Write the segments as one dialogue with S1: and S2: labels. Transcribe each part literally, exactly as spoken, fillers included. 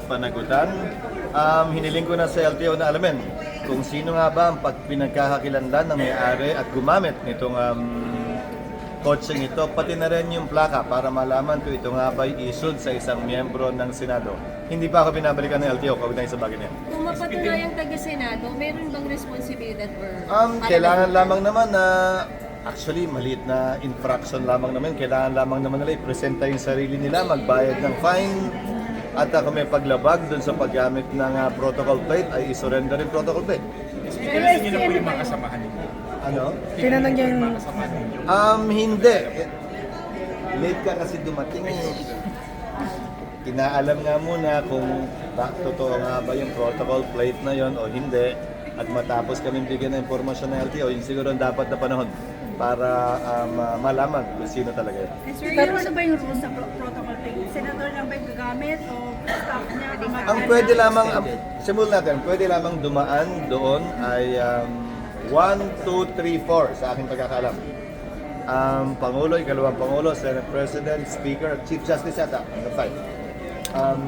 S1: panagutan. Um, hiniling ko na sa L T O na alamin kung sino nga ba ang pag pinagkakakilanlan ng may-ari at gumamit nitong um, kotseng ito, pati na rin yung plaka para malaman kung ito nga ba issued sa isang miyembro ng Senado. Hindi pa ako binabalikan ng L T O kaugnay sa bagay niya.
S2: Kung mapatunayang taga-Senado, meron bang responsibilidad or...
S1: Um, kailangan lamang naman na, actually, maliit na infraction lamang naman. Kailangan lamang naman nila i-presenta yung sarili nila, magbayad ng fine, at uh, kung may paglabag dun sa paggamit ng uh, protocol plate, ay i-surrender yung protocol plate.
S3: Pero niyo na po yung mga kasamahan ninyo.
S1: Ano?
S3: Tinanong niyo yung mga kasamahan ninyo.
S1: Um, hindi. Late ka kasi dumating eh. Inaalam nga muna kung ba, totoo nga ba yung protocol plate na yon o hindi. At matapos kami bigyan ng informasyon ng L T O, yun siguro ang dapat na panahon para um, uh, malaman kung sino talaga yun.
S4: Sir, pero ano ba yung rules sa pro- protocol plate? Senador lang ba yung gagamit o staff niya?
S1: Ang pwede lamang, um, simul natin, pwede lamang dumaan doon ay um, one, two, three, four sa aking pagkakaalam. Um, Pangulo, ikalawang Pangulo, Senate President, Speaker, Chief Justice yata, ang five. Um,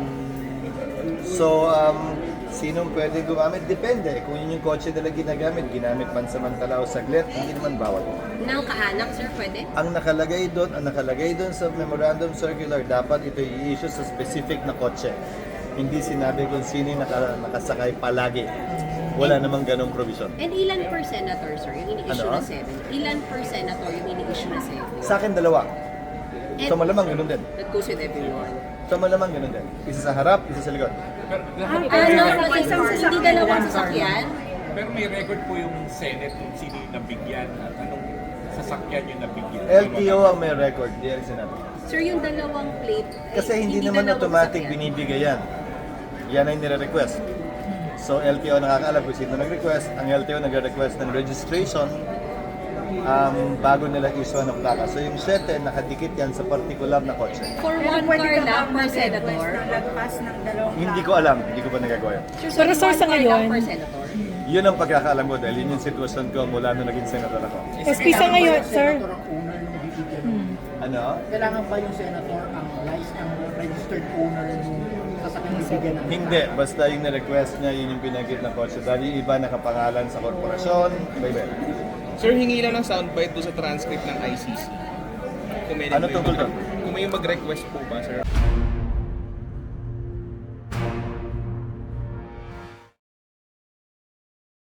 S1: so, um, sinong pwede gumamit? Depende. Kung yun yung kotse nila ginagamit, ginamit pansamantala o saglit, hindi naman bawal.
S2: Nang kaanak, sir, pwede?
S1: Ang nakalagay doon, ang nakalagay doon sa Memorandum Circular, dapat ito i-issue sa specific na kotse. Hindi sinabi kung sino yung naka, nakasakay palagi. Wala namang ganong provision.
S2: And ilan per senator, sir, yung ini-issue
S1: Ano?
S2: na seven? Ilan per senator yung ini-issue na seven?
S1: Sa akin, dalawa.
S2: And
S1: So malamang ganun din.
S2: that goes with everyone.
S1: So malamang ganun din. Isa sa harap, isa sa likod.
S3: Pero,
S2: Ano,
S3: pero,
S2: isang hindi dalawang sasakyan?
S3: pero may record po yung Senate kung sino yung nabigyan at anong sasakyan yung nabigyan.
S1: L T O ang may record, di ang Senado.
S2: Sir, yung dalawang plate, ay
S1: Kasi hindi, naman
S2: dalawang
S1: automatic
S2: sasakyan.
S1: binibigay yan. Yan ay nire-request. So L T O nakakaalam kung sino nag-request. Ang L T O nag-request ng registration um, bago nila issue ng plaka. So yung sete, nakadikit yan sa particular na kotse.
S2: For
S4: Pero
S2: one
S4: pwede
S2: car
S4: ka
S2: lang
S4: ba
S2: per
S4: mag-request
S2: senator?
S4: ng lagpas ng dalawang
S1: Hindi ko alam, hindi ko pa nagagawa yan.
S2: Sir,
S5: Pero sir,
S2: one
S5: sa
S2: car lang
S5: ngayon-
S2: per senator?
S1: Yun ang pagkakaalam ko dahil yun yung sitwasyon ko mula nung naging senator ako.
S5: S P sa ngayon, sir.
S6: Senator ang owner ng bibigyan?
S1: Ano?
S6: Kailangan ba yung senator ang license, ang registered owner ng sasakyan bibigyan ng
S1: Hindi, basta yung na-request niya, yun yung pinagit na kotse. Dahil yung iba nakapangalan sa korporasyon, iba-iba.
S7: Sir, hingi lang ng soundbite doon sa transcript ng I C C. Kung may
S1: Ano tungkol doon?
S7: Kung may mag-request po ba, sir?